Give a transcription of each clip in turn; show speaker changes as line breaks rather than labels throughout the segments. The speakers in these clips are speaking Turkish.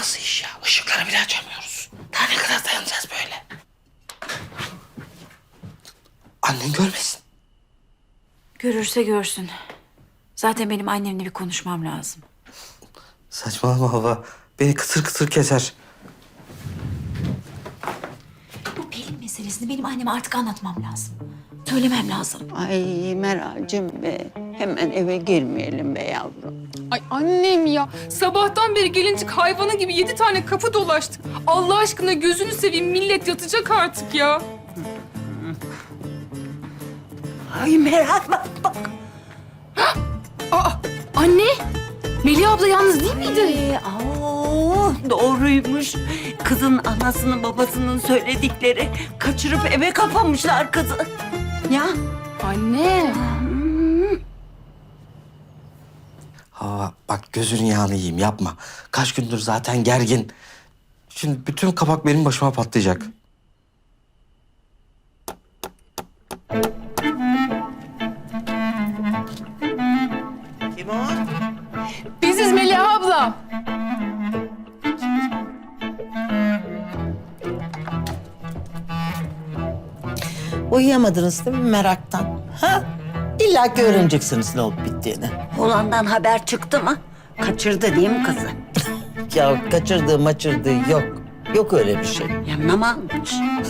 nasıl iş ya? Işıkları bile açamıyoruz. Daha ne kadar dayanacağız böyle? Annen görmesin.
Görürse görsün. Zaten benim annemle bir konuşmam lazım.
Saçmalama hava. Beni kıtır kıtır keser.
Bu Pelin meselesini benim anneme artık anlatmam lazım. Söylemem lazım.
Ay Meral'cim be. Hemen eve girmeyelim be yavrum.
Ay annem ya. Sabahtan beri gelincik hayvanı gibi 7 tane kapı dolaştık. Allah aşkına gözünü seveyim, millet yatacak artık ya.
Ay Meral bak bak.
Aa, anne. Melih abla yalnız değil miydi?
Doğruymuş. Kızın anasının babasının söyledikleri. Kaçırıp eve kapamışlar kızı. Ya.
Anne.
Hava bak gözünün yağını yiyeyim yapma. Kaç gündür zaten gergin. Şimdi bütün kabak benim başıma patlayacak.
Kim o?
Biziz Melih abla.
Uyuyamadınız değil mi meraktan? Ha? İlla ki öğreneceksiniz ne olup bittiğini.
Olandan haber çıktı mı? Kaçırdı değil mi kızı?
Ya kaçırdığı maçırdığı yok. Yok öyle bir şey.
Yanına mı almış?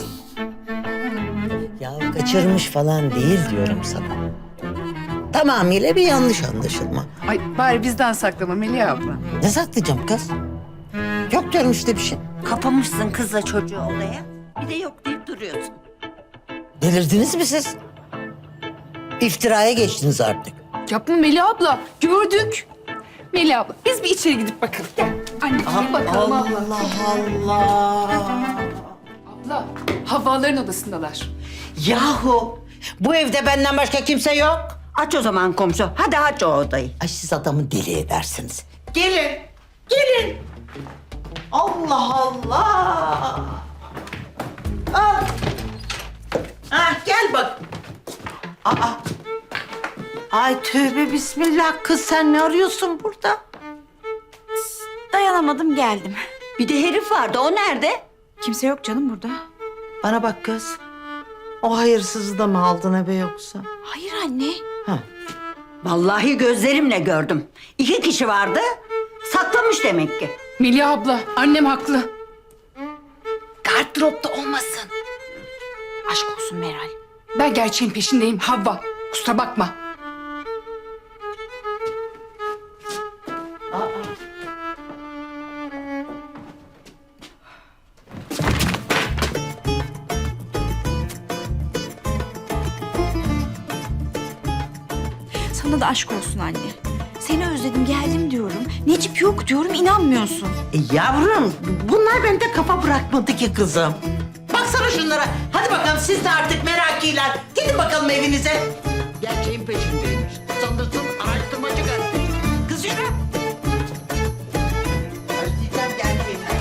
Ya kaçırmış falan değil diyorum sana. Tamamıyla bir yanlış anlaşılma.
Ay bari bizden saklama Melih abla.
Ne saklayacağım kız? Yok diyorum işte bir şey.
Kapamışsın kızla çocuğu odaya. Bir de yok deyip duruyorsun.
Delirdiniz mi siz? İftiraya geçtiniz artık.
Yapma Melih abla. Gördük. Melih abla biz bir içeri gidip bakalım. Gel. Anne bir bakalım abla.
Allah.
Abla Havvaların odasındalar.
Yahu bu evde benden başka kimse yok.
Aç o zaman komşu. Hadi aç o odayı.
Ay siz adamı deli edersiniz. Gelin, gelin. Allah Allah. Al. Ha, gel bak. Aa. Ay tövbe bismillah kız sen ne arıyorsun burada?
Dayanamadım geldim.
Bir de herif vardı. O nerede?
Kimse yok canım burada.
Bana bak kız. O hayırsızı da mı aldın eve yoksa?
Hayır anne.
Ha.
Vallahi gözlerimle gördüm. 2 kişi vardı. Saklamış demek ki.
Melih abla annem haklı.
Gardıropta olmasın. Aşk olsun Meral.
Ben gerçeğin peşindeyim Havva. Kusura bakma.
Sana da aşk olsun anne. Seni özledim geldim diyorum. Necip yok diyorum inanmıyorsun.
Yavrum bunlar bende kafa bırakmadı ki kızım. Baksana şunlara. Hadi bakalım siz de artık merakiler. Gidin bakalım evinize. Gerçeğin peşindeymiş. Sanırsın araştırmacı gazeteci. Kız yürü. Özleyeceğim gerçeğinden.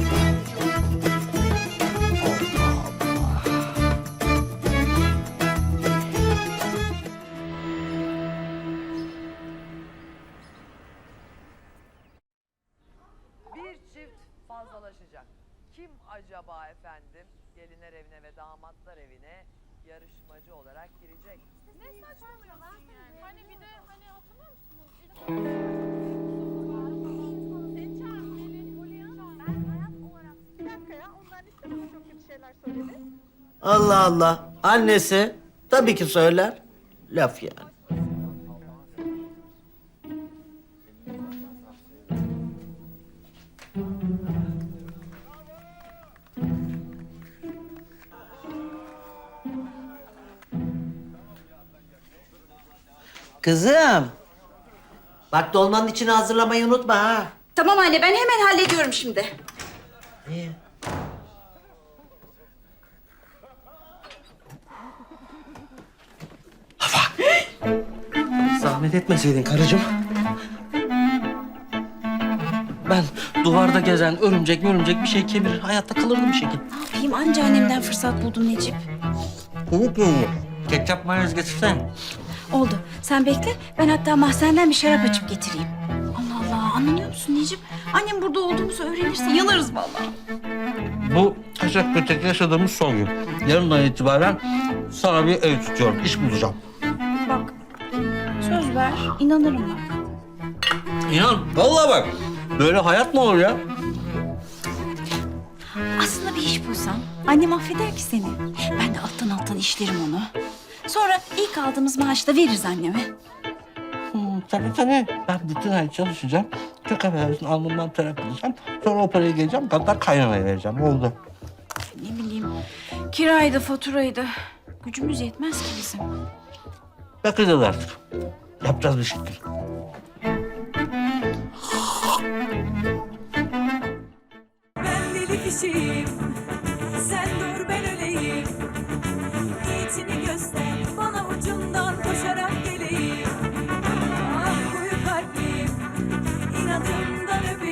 Bir çift fazlalaşacak. Kim acaba efendim? Gelinler evine ve damatlar evine yarışmacı olarak girecek.
Ne saçmalıyorlar yani? Hani bir de hani hatırlıyor musunuz? Seni çağırın Melih, Polyana. Ben hayat olarak... Bir dakika ya, onlar işte bana çok kötü şeyler söyledi.
Allah Allah. Annesi tabii ki söyler. Laf yani. Kızım. Bak dolmanın içini hazırlamayı unutma ha.
Tamam anne ben hemen hallediyorum şimdi.
İyi.
Zahmet etmeseydin karıcığım. Ben duvarda gezen örümcek bir şey kemirir. Hayatta kalırdım bir şekilde.
Ne yapayım anca annemden fırsat buldum Necip.
Ketçap mayonez getirsen.
Oldu. Sen bekle. Ben hatta mahzenden bir şarap açıp getireyim. Allah Allah. anlamıyor musun Necip? Annem burada olduğumuzu öğrenirse yanarız vallahi.
Bu kaçak göçek yaşadığımız son gün. Yarından itibaren sana bir ev tutuyorum. İş bulacağım.
Bak söz ver inanırım bak.
İnan, vallahi bak. Böyle hayat mı olur ya?
Aslında bir iş bulsam annem affeder ki seni. Ben de alttan işlerim onu. Sonra ilk aldığımız maaşı da veririz anneme.
Tabii. Ben bütün ay çalışacağım. Çok affedersin alnımdan terak edeceğim. Sonra o parayı geleceğim. Hatta kaynanaya vereceğim. Oldu.
Ne bileyim kiraydı faturaydı. Gücümüz yetmez ki bizim.
Bakacağız artık. Yapacağız bir şekilde.
Ben deli kişiyim, sen dur ben öleyim. Niyetini göster, bana ucundan koşarak geleyim. Ah koyu kalpliyim, inadımdan öpeyim.